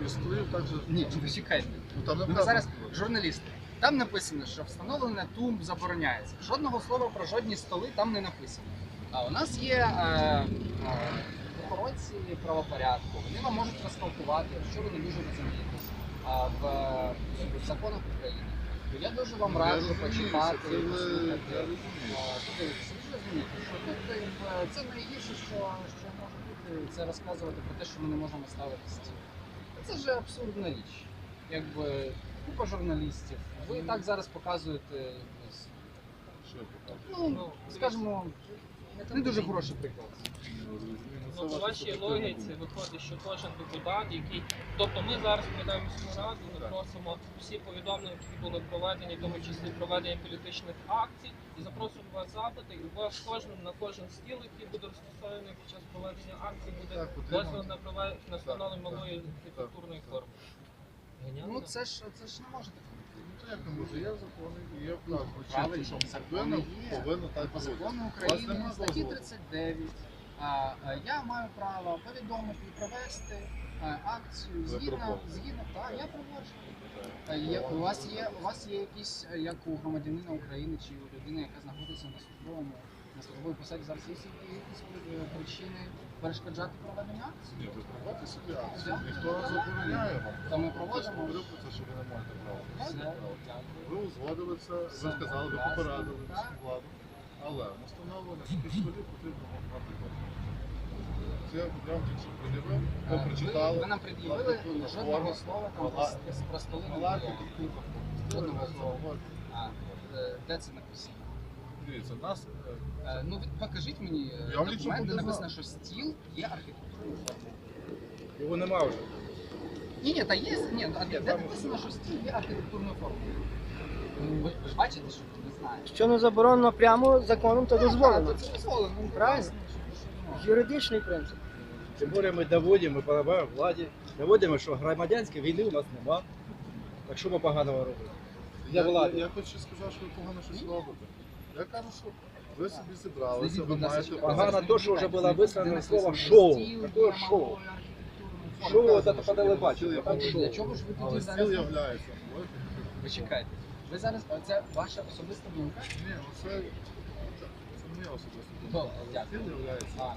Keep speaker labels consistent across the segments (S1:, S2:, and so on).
S1: і столів так же.
S2: Ні, чекайте. Ми зараз журналісти. Там написано, що встановлення тумб забороняється. Жодного слова про жодні столи там не написано. А у нас є охоронці правопорядку. Вони вам можуть розтолкувати, якщо ви не дуже розумієтесь в законах України. Я дуже вам раджу почитати, послухати. Подивитися, ви розумієте, що тут це найгірше, що може бути, це розказувати про те, що ми не можемо ставити стіл. Це ж абсурдна річ. Якби купа журналістів. Ви і так зараз показуєте, ну, скажімо, не дуже хороший приклад.
S3: Ну, по вашій логіці виходить, що кожен депутат, який... Тобто ми зараз прийдемо міську раду, запросимо всі повідомлення, які були проведені, в тому числі проведення політичних акцій, і запросимо вас запити, і у вас на кожен стіл, який буде розташований під час проведення акції, буде дозвіл на встановлення малої архітектурної форми.
S2: Ну це ж не може таке.
S1: Ну, як не може, є закони і є вказ.
S2: Правильно, закони є.
S1: Повинно так
S2: По
S1: бути.
S2: закону України, статті 39, я маю право повідомити і провести акцію згідно, так, я проводжу. У вас є якісь, як у громадянина України чи у людини, яка знаходиться на службовій посаді, зараз є якісь причини перешкоджати проведення акції?
S1: Ні, ви проводите собі акцію, ніхто не забороняє вам.
S2: То ми проводимо.
S1: Говорив про це, що ви не маєте права.
S2: Все,
S1: Ви узгодили це, ви сказали, ви попередили міську владу, але на встановлення таких столів потрібно мати кошти. Це я вам тільки що пред'явив, ви прочитали.
S2: Ви нам пред'явили жодного слова там про столи не було. Жодного слова. Де це написано?
S1: Дивіться, нас...
S2: Ну, покажіть мені документ, де написано, що стіл є архітектурною формою.
S1: Його нема вже.
S2: Ні, та є, де написано, що стіл є архітектурною формою? Ви ж бачите, що ви не знаєте?
S4: Що не заборонено прямо законом, то дозволено.
S2: Це дозволено.
S4: Правильно? Юридичний принцип.
S5: Тим більше ми доводимо, ми допомагаємо владі, доводимо, що громадянської війни у нас нема. Так що ми поганого робимо?
S1: Я хочу сказати, що ви погано щось робите. Я кажу, що ви собі зібралися, ви маєте...
S5: Погано то, що вже було висловлено слово «шоу». Таке шоу. Шоу – це по телебаченню, там
S2: Для
S5: шоу.
S2: чого ж ви тоді
S1: Але
S2: зараз...
S1: стіл являється.
S2: Ви чекайте. Ви зараз, це ваша особиста думка?
S1: Ні, це не особисто.
S2: Добре, дякую.
S1: Стіл являється.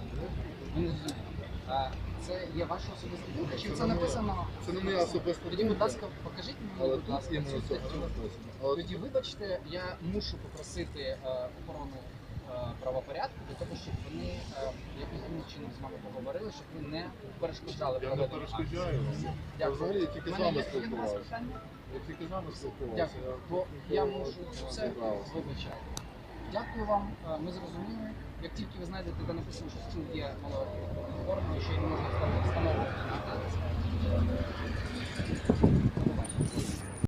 S2: Це є ваша особиста думка, чи це написано?
S1: Це не моя особиста
S2: Тоді, будь
S1: думка.
S2: ласка, покажіть мені,
S1: Але
S2: будь
S1: тут
S2: ласка,
S1: іменно
S2: цю
S1: це
S2: статтю.
S1: написано.
S2: Тоді, вибачте, я мушу попросити охорону правопорядку для того, щоб вони якимось чином з вами поговорили, щоб ви не перешкоджали
S1: Я не
S2: проведенню акції.
S1: перешкоджаю вам. Я взагалі я тільки з вами
S2: Є до вас
S1: спілкувався.
S2: питання?
S1: Я тільки з вами спілкувався.
S2: Дякую. Бо я можу все вибачати. Дякую вам, ми зрозуміли. Як тільки ви знайдете, де написано, що стіл є малою формою, що її не можна ставити